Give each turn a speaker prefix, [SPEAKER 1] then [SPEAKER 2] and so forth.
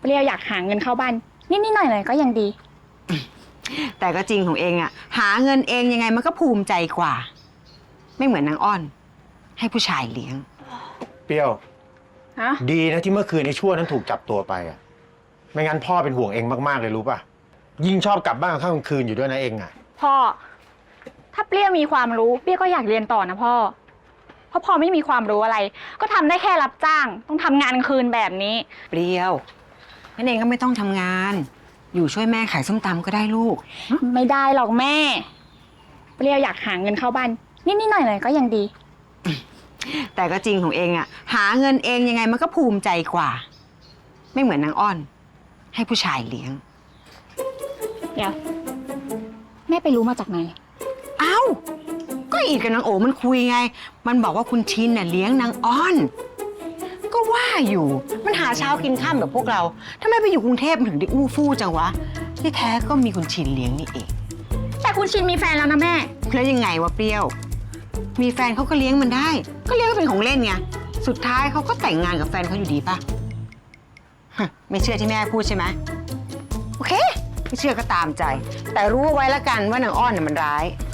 [SPEAKER 1] เปรี้ยวอยากหาเงินเข้าบ้านนิดๆหน่อยๆก็ยังดี
[SPEAKER 2] แต่ก็จริงของเองอะหาเงินเองยังไงมันก็ภูมิใจกว่า ไม่เหมือนนางอ้อนให้ผู้ชายเลี้ยง
[SPEAKER 3] เปรี้ยว
[SPEAKER 1] ฮะ
[SPEAKER 3] ดีนะที่เมื่อคืนไอ้ชั่วนั้นถูกจับตัวไปอะไม่งั้นพ่อเป็นห่วงเองมากๆเลยรู้ป่ะยิ่งชอบกลับบ้านข้างคืนอยู่ด้วยนะเองอะ
[SPEAKER 1] พ่อถ้าเปรี้ยวมีความรู้เปรี้ยวก็อยากเรียนต่อนะพ่อเพราะพ่อไม่มีความรู้อะไรก็ทำได้แค่รับจ้างต้องทำงานกลางคืนแบบนี้
[SPEAKER 2] เปรี้ยวนั่นเองก็ไม่ต้องทำงานอยู่ช่วยแม่ขายส้มตำก็ได้ลูก
[SPEAKER 1] ไม่ได้หรอกแม่เปรี้ยวอยากหาเงินเข้าบ้านนิดๆหน่อยๆก็ยังดี
[SPEAKER 2] แต่ก็จริงของเองอะหาเงินเองยังไงมันก็ภูมิใจกว่า ไม่เหมือนนางอ้อนให้ผู้ชายเลี้ยง
[SPEAKER 1] เดี๋ยวแม่ไปรู้มาจากไหน
[SPEAKER 2] เอ้าก็อีดกับนางโอมันคุยไงมันบอกว่าคุณชินน่ะเลี้ยงนางอ้อนก็ว่าอยู่มันหาเช้ากินข้ามแบบพวกเราทำไมไปอยู่กรุงเทพมันถึงได้อู้ฟู่จังวะที่แท้ก็มีคุณชินเลี้ยงนี่เอง
[SPEAKER 1] แต่คุณชินมีแฟนแล้วนะแม่
[SPEAKER 2] แล้วยังไงวะเปรี้ยวมีแฟนเขาก็เลี้ยงมันได้ก็เลี้ยงก็เป็นของเล่นไงสุดท้ายเขาก็แต่งงานกับแฟนเขาอยู่ดีป่ะไม่เชื่อที่แม่พูดใช่ไหมโอเคไม่เชื่อก็ตามใจแต่รู้เอาไว้แล้วกันว่านางอ้อนน่ะมันร้าย